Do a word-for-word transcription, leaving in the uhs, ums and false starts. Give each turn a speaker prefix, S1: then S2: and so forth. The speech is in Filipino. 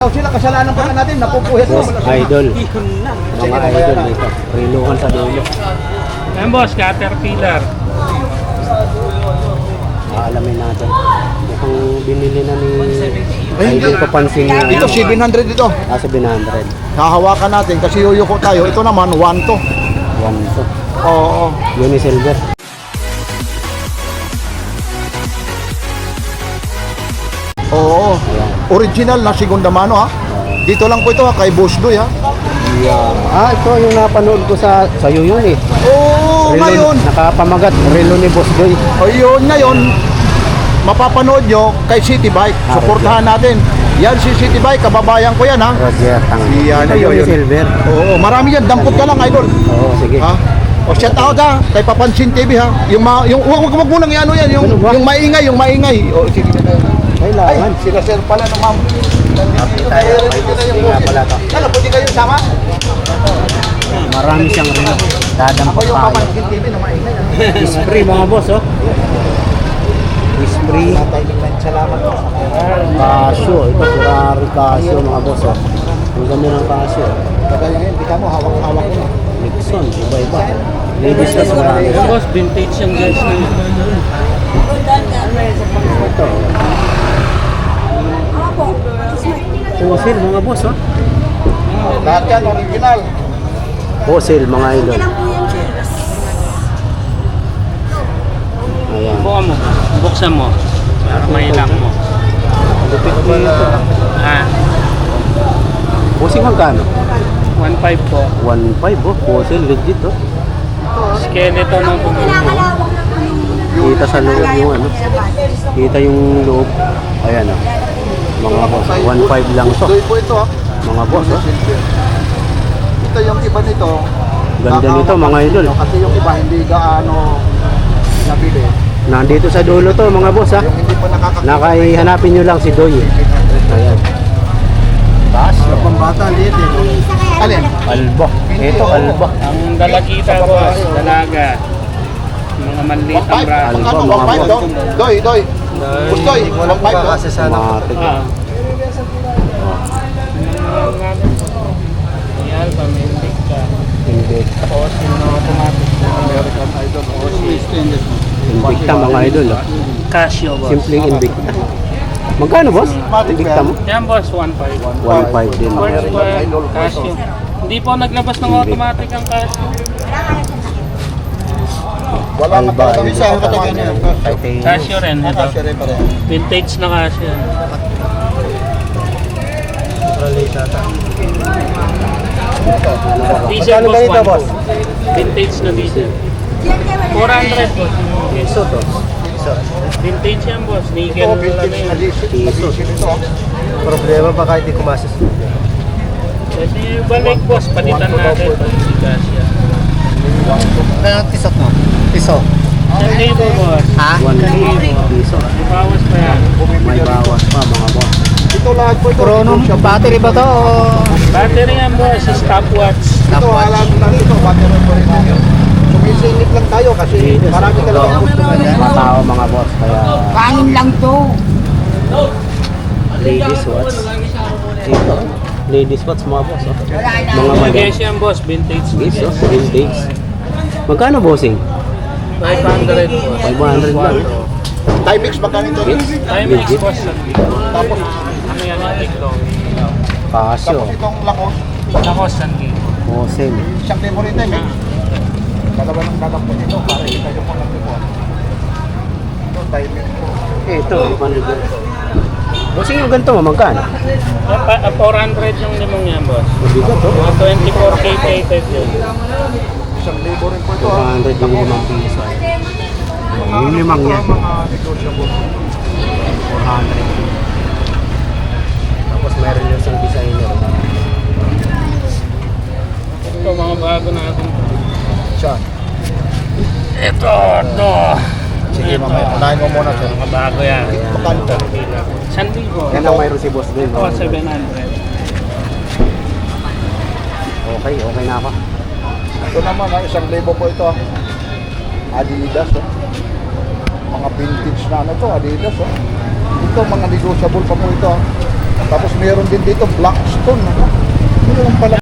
S1: Sila kasalanan pa natin, napupuhit mo.
S2: Boss, idol. Mga idol dito. Rilukan sa dulo.
S3: Ayan boss, Caterpillar.
S2: Aalamin natin. Mukhang binili na ni idol papansin niya.
S1: Dito, seven hundred dito.
S2: Ah, seven hundred.
S1: Hahawakan natin kasi yuyuko tayo. Ito naman, one to.
S2: One to.
S1: Oo.
S2: Unisilver.
S1: Oo. Original na segunda mano ha. Dito lang po ito ha, kay Boss Doy ha.
S2: Yeah. Ah, ito yung napanood ko sa sa'yo yun eh.
S1: Oo,
S2: Relo-
S1: ngayon.
S2: Nakapamagat. Relo ni Boss Doy.
S1: Ayun, ngayon. Mapapanood nyo kay City Bike.
S2: Ah,
S1: Suportahan natin. Yan si City Bike, kababayan ko yan ha.
S2: Roger. Tang.
S1: Yan,
S2: Ito
S1: yun, yun.
S2: Unisilver.
S1: Oo, marami yan. Dampot ka lang, idol.
S2: Oo, sige.
S1: Ha? O shout out ha, kay Papansin T V ha. Yung ma yung wag wag mo nang ano yan, yung
S2: Ano ba?
S1: yung maingay, yung maingay. O sige. Ay,
S2: Kailangan.
S1: sila sir pala ng ma'am.
S2: tayo. Hindi nga pala to.
S1: Ano, pwede kayo sama?
S2: Marami siyang relo. Dadampot
S1: Ako yung
S2: tayo.
S1: Papansin T V na maingay.
S2: Spray mga boss, oh. Spray.
S1: Salamat po.
S2: Casio. Ito, Ferrari Casio mga boss, oh. Ang ganda ng Casio.
S1: Kagaya ngayon, di ka mo, hawak-hawak mo.
S2: Nixon, iba-iba. Ladies na marami.
S3: Ayan boss, vintage yung guys na yun.
S2: Ito. Fossil mga boss, oh.
S1: Lahat yan, original.
S2: Fossil mga idol. Ayan.
S3: Buka mo, buksan mo. Para mailak mo.
S2: Lupit dito.
S3: Ah,
S2: Fossil magkano?
S3: one five po.
S2: one five, oh. Fossil, legit, oh.
S3: Skeleton ng bumili.
S2: Kita sa loob yung ano. Kita yung loob. Ayan, oh. Mga boss, one five lang to.
S1: Doy po ito ha.
S2: Mga boss, oh.
S1: Ito yung iba nito.
S2: Ganda nito mga idol.
S1: Kasi yung iba hindi gaano nabili.
S2: Nandito sa dulo to mga boss, ha.
S1: Yung hindi pa nakakakita.
S2: Nakaihanapin nyo lang si Doy. Ayan. Taas.
S1: Pambata, liit eh. Alin?
S2: Alba. Ito, alba.
S3: Ang dalagita boss, dalaga. Mga maliit ang bra.
S2: Alba,
S1: Ano,
S2: mga
S1: one five
S2: boss.
S1: do? Doy, doy. Gustoy, one five do?
S2: Matik.
S3: Ah. Ayan, pamimik ka.
S2: Hindi.
S3: Fossil na automatic.
S1: American Idol.
S2: Invicta mga idol, oh.
S3: Casio boss.
S2: Simpleng Invicta. Magkano boss? Invicta mo?
S3: Yan boss, one five.
S2: one five din.
S3: First one, Casio. Hindi po naglabas ng automatic ang Casio.
S1: Wala na
S2: Alba,
S1: pa kami sa katagan niya.
S2: Titanium.
S3: Casio rin, ito.
S1: Kasya rin pa rin.
S3: Vintage na Casio. Diesel boss, one boss. Vintage na diesel. four hundred boss.
S2: Piso to.
S3: Vintage yan boss. Nickel
S1: Ito,
S3: lang
S1: vintage na
S3: yan.
S1: diesel. Diesel ito.
S2: Problema pa kahit di kumasas.
S3: Kasi balik boss, palitan natin. Si Casio.
S1: Kaya tisok mo? Piso.
S3: Isang libo boss.
S1: Ha?
S2: one piso.
S3: May bawas pa yan.
S2: May bawas pa mga boss.
S1: Ito lahat po ito.
S4: Chrono, battery ba to? o-
S3: Battery yan boss, stopwatch.
S1: Ito, alam lang ito. Battery po rin ito. Sumisingit lang tayo kasi marami talaga gusto na yan.
S2: Mga tao mga boss. Kaya
S4: Kanin lang to.
S2: ladies watch. Dito. Ladies watch mga boss. Oh. Mga
S3: Mga
S2: madam.
S3: yan boss, vintage.
S2: Yes, oh. Vintage. Magkano bossing?
S3: five hundred boss.
S2: five hundred lang.
S1: Timex magkano ito?
S3: Timex boss.
S1: Tapos,
S3: Ano yan yung tiklong?
S2: Casio.
S1: tapos itong lakos.
S3: Ako, San Gil.
S2: Fossil.
S1: Siyang demo rin Timex. Dalawa ng dadampo nito para kita yung mga tipo. Ito, Timex po.
S2: Eh, ito. Bossing yung ganito mo, magkano?
S3: four hundred yung limong yan boss.
S2: Mabigat to.
S3: Mga twenty-four K plated yun.
S1: Isang libo rin po ito.
S2: two
S1: ha.
S2: hundred yung limang piso. Yung limang yan.
S1: Mga negotiable.
S2: four hundred. Tapos meron yung isang designer.
S3: Ito, mga bago natin.
S1: Siya.
S3: Ito, ito.
S1: Sige,
S3: Ito.
S1: mamaya. Unahin mo muna siya.
S3: Mga bago yan.
S1: Magkano ito?
S3: San Diego.
S2: Yan ang mayroon si boss din.
S3: Ito, seven hundred.
S2: Okay, okay na ako.
S1: Ito naman, ha, isang libo po ito. ha. Adidas. Oh. Mga vintage na ano to, Adidas. Oh. Ito, mga negotiable pa po ito. ha. Tapos meron din dito Blackstone. Ano? Ano yung pala